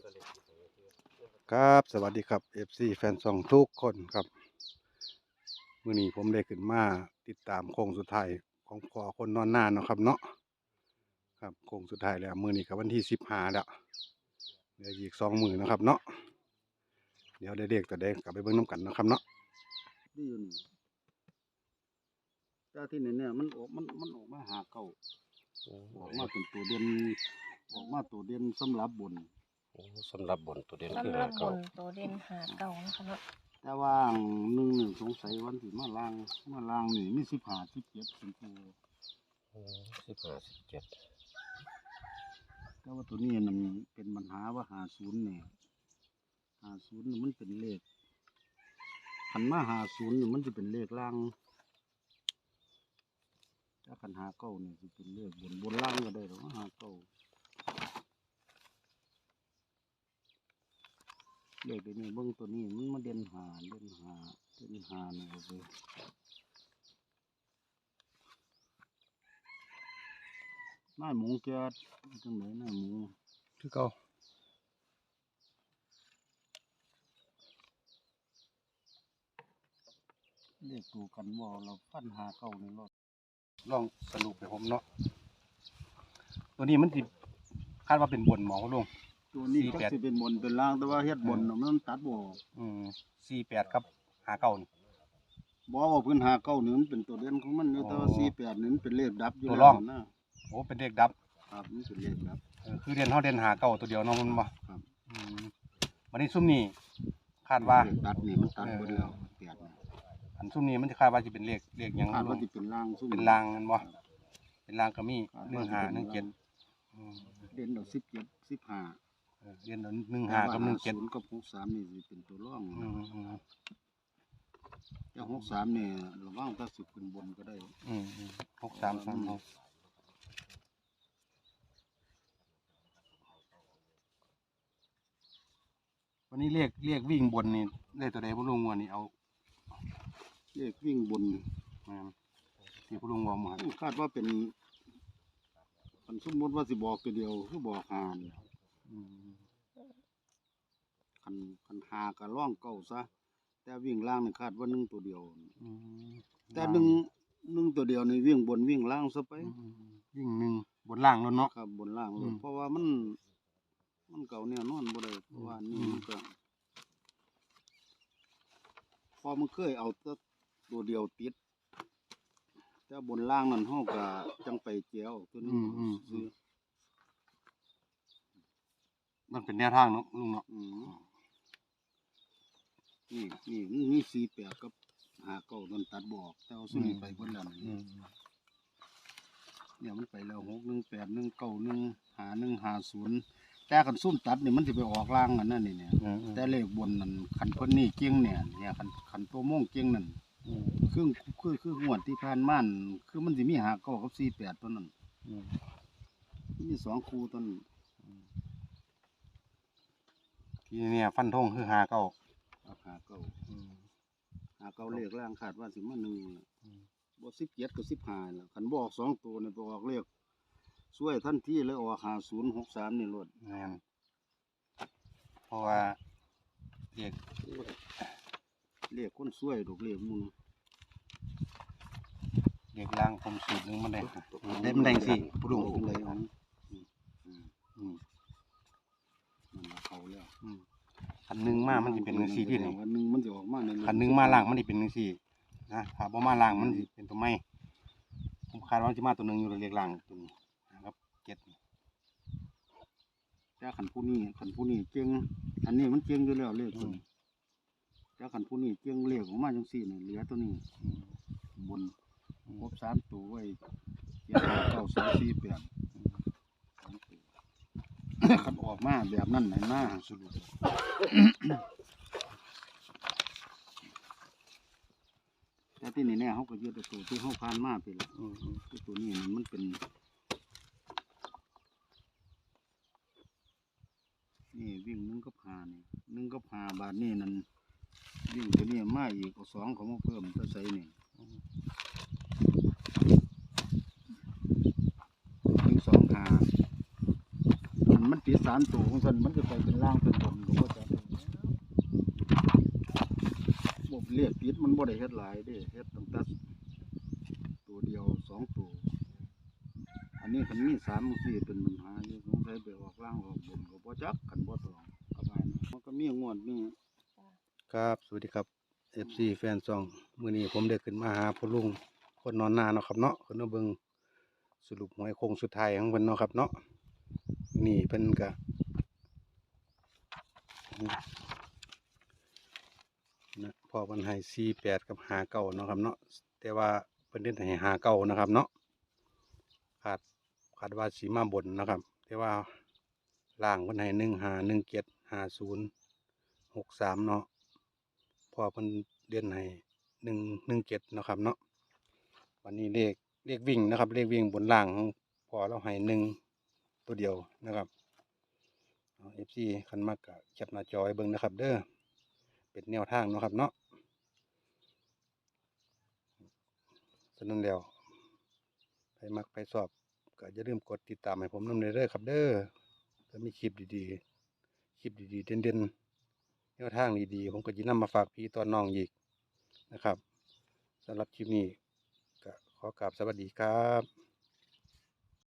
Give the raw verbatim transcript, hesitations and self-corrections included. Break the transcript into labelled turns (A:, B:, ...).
A: ครับสวัสดีครับ เอฟ ซี แฟนซองทุกคนครับมื้อนี้ผมได้ขึ้นมาติดตามโค้งสุดท้ายของพ่อคนนอนนาเนาะครับเนาะครับโค้งสุดท้ายแล้วมื้อนี้ก็วันที่สิบห้าแล้วเหลืออีกสองมื้อนะครับเนาะเดี๋ยวได้เลขตัวใดกลับไปเบิ่งน้ำกันเนาะครับเนาะ
B: ดีอยู่นี่แต่ที่นี่เนี่ยมันออกมันมันออกมาหาเก่าออกมาเป็นตัวเด่นออกมาตัวเด่นสำหรับบน
C: สำหรับบนตัวเด่นคือ
D: สำหรั
C: หา
D: บ
C: เก่า
D: บนตัวเด่นหาเก่านะคะเนาะ
B: แต่ว่าหนึ่งหนึ่งสงสัยวันที่มาล่างมาล่างนี่มีสิบห้าสิบเจ็ดสิบตัว
C: สิบห้าสิบเจ็ด
B: แต่ว่าตัวนี้มันเป็นปัญหาว่าหาศูนย์เนี่ยหาศูนย์มันเป็นเลขขันมาหาศูนย์มันจะเป็นเลขล่างถ้าขันหาเก้าเนี่ยจะเป็นเลขบนบนล่างก็ได้หรอกหาเก้าเลขตัวนี้เบิ้งตัวนี้มันมาเด่นหาเด่นหาเด่นหาเนี่ยโอเคนายหมูแกจังไหนนายหมู
A: คือเก่า
B: เลขตัวกันว่าเราฟันหาเก้าในรถ
A: ลองสรุปให้ผมเนาะตัวนี้มันสิคาดว่าเป็นบนหมอลุง
B: ตัวนี้
A: สี่
B: ก็
A: แปด
B: สิเป็นบนเป็นล่างแต่ว่าเฮ็ดบนน่ะมันตัดบ่ออก
A: อืมสี่แปดครับหาเก่านี่
B: บ่ว่าเพิ่นหาเก้านี่มันเป็นตัวเด่นของมันอยู่แต่ว่า
A: อ๋อ
B: สี่แปดนี่มันเป็นเลขดับอยู่
A: ตัว
B: แล้ว
A: รอง
B: นะ
A: โอ้เป็นเลขดับ
B: ครับมันเป็นเลขดับ
A: เออคือเด่นเฮาเด่นหาเก่าตัวเดียวเนาะมันบ่
B: ครับ
A: อืมวันนี้ซุ่มนี่คาดว่า
B: เลขตัดนี่มันตัดเบิดแล้วแปดนี่
A: อันซุ่มนี้มันจะคาดว่าจะเป็นเลขเลขหยัง
B: คาด
A: ลุ
B: ว่าง สิเป็นล่างซุ่ม
A: เป็นรางนั่นบ่เป็นรางก็มีหนึ่งหาหนึ่งเจ็ดอืม
B: เด่นดอกสิบเจ็ด สิบห้า
A: เออเรียนหนึ่งหากับหนึ่งเจ็ด
B: ศูนย์กับหกสามนี่สิเป็นตัวรอง
A: อืมอืม
B: แต่หกสามนี่ระวังถ้าสิขึ้นบนก็ได้
A: อืมอืมหกสามสามหกวันนี้เรียกเรียกวิ่งบนนี่ได้ตัวใดพวกลุงวันนี้เอา
B: เลขวิ่งบน
A: มาที่พวกลุงวอมา
B: คาดว่าเป็นคันสมมติว่าสิบอกตัวเดียวคือบอกหาน
A: อืม
B: คันคันหาก็ร่องเก่าซะแต่วิ่งล่างนี่คาดว่าหนึ่งตัวเดียว
A: อืม
B: แต่หนึ่งหนึ่งตัวเดียวนี่วิ่งบนวิ่งล่างซะไป
A: อืมวิ่งหนึ่งบนล่างแล้วเนาะ
B: ครับบนล่างเล
A: อื
B: ย
A: ม
B: เพราะว่ามัน มันเก่าเนี่ยนอนบ่ได้เพราะว่านี่
A: อืม
B: มันก็พอมันเคยเอาแต่ตัวเดียวติดแต่บนล่างนั่นเฮาก็จังไปเจียวตัวนี้
A: อืมอืมอื
B: ซื้อ
A: มมันเป็นแนวทางเนาะลุงเนาะ
B: อืมนี่นี่นี่สี่แปดกับหาเก้ามันตัดบออกแต่เอาซุ่มนี้ไปเบิดแล้วนี่
A: อืม
B: เนี่ยมันไปแล้วหกหนึ่งแปดหนึ่งเก้าหนึ่งหาหนึ่งหาศูนย์แต่คันซุ่มตัดนี่มันจะไปออกล่างอันนั้นนี่เนี่ย
A: อืมอืม
B: แต่เลขบนนั่นคันเพิ่นนี่เก่งเนี่ยเนี่ยคันคันตัวโม่งเก่งนั่น
A: อืม
B: คือคือคืองวดที่ผ่านมานั่นคือมันสิมีหาเก้ากับสี่แปดตัวนั้น
A: อืม
B: มีสองคู่ตัวนั้น
A: ทีนี้เนี่ยฟันธงคือหาเก้า
B: เอาหาเก้า
A: อืม
B: หาเก้าเลขล่างคาดว่าสิมาหนึ่งน่ะ
A: อืม
B: บ่สิบเจ็ดกับสิบห้าล่ะคันบอกสองตัวนี่บ่ออกเลขช่วยทันทีเลยออกหาศูนย์หกสามนี่โลด
A: แม่นเพราะว่าเรียก
B: เลขคนช่วยดอกเลขหมุน
A: เรียกล่างผมสูตรหนึงมันได้ได้มันได้สิผู้ลุง
B: จังได๋ของอืม
A: อืม
B: มันว่าเขาแล้ว
A: อืมคันหนึ่งมามันจะเป็นหนึ่งสี่ที่นี่
B: คันหนึ่งมันจะออกมาใน
A: คันหนึ่งมาล่างมันจะเป็นหนึ่งสี่นะถ้าบ่มาล่างมันจะเป็นตัวไม่ผมคาดว่าจะมาตัวหนึ่งอยู่เรียกล่างตัวนี้นะครับเจ็ด
B: แต่คันผู้นี้คันผู้นี้เก่งอันนี้มันเก่งอยู่แล้วเลขตัวนี้แต่คันผู้นี้เก่งเลขออกมาจังซี่นี่เหลือตัวนี้
A: อืม
B: บนครบสามตัวไว้เจ็ดห้าเก้าสามสี่แปดสามตัว คันออกมาแบบนั้นไหนมาสรุปแต่ที่นี่เนี่ยเขาก็ยึดเอาตัวที่เขาผ่านมาไปแล้ว
A: อืมอืม
B: คือตัวนี้นี่มันเป็นนี่วิ่งหนึ่งก็พานี่หนึ่งก็พาบาทนี่นั่นวิ่งตัวนี้มาอีกเอาสองเขามาเพิ่มตัวใส่นี่หนึ่งสองหามันติดสามตัวของสันมันจะไปเป็นล่างเป็นบนก็บ่จักบ่เลขติดมันบ่ได้เฮ็ดหลายเด้เฮ็ดตั้งแต่ตัวเดียวสองตัวอันนี้คันมีสามจังซี่เป็นปัญหาอยู่สงสัยไปออกล่างออกบนก็บ่จักคันบ่ตองประมาณนั้นมันก็มีงวดมี
A: ครับสวัสดีครับ เอฟ ซี แฟนซองมื้อนี้ผมได้ขึ้นมาหาพ่อลุงคนนอนนาเนาะครับเนาะขึ้นมาเบิ่งสรุปหวยโค้งสุดท้ายของเพิ่นเนาะครับเนาะนี่เพิ่นก็นะพอเพิ่นให้สี่แปดกับห้าเก้าเนาะครับเนาะแต่ว่าเพิ่นเน้นให้ห้าเก้านะครับเนาะขาดขาดว่าสีมาบนนะครับ แต่ว่าล่างเพิ่นให้หนึ่งห้าหนึ่งเจ็ดห้าศูนย์หกสามเนาะพอเพิ่นเด่นให้หนึ่งหนึ่งเจ็ดนาะครับเนาะวันนี้เลขเลขวิ่งนะครับเลขวิ่งบนล่างของพอเราให้หนึ่งตัวเดียวนะครับเอฟซีคันมากกะแคปหน้าจอไว้เบิ่งนะครับ เด้อเป็นแนวทางเนาะครับเนาะฉะนั้นแล้วใครมักไปสอบก็อย่าลืมกดติดตามให้ผมนำเด้อครับ เด้อถ้ามีคลิปดีๆคลิปดีๆเด่นๆแนวทางดีๆผมก็จะนำมาฝากพี่ตอนน้องอีกนะครับสำหรับคลิปนี้ก็ขอกราบสวัสดีครับ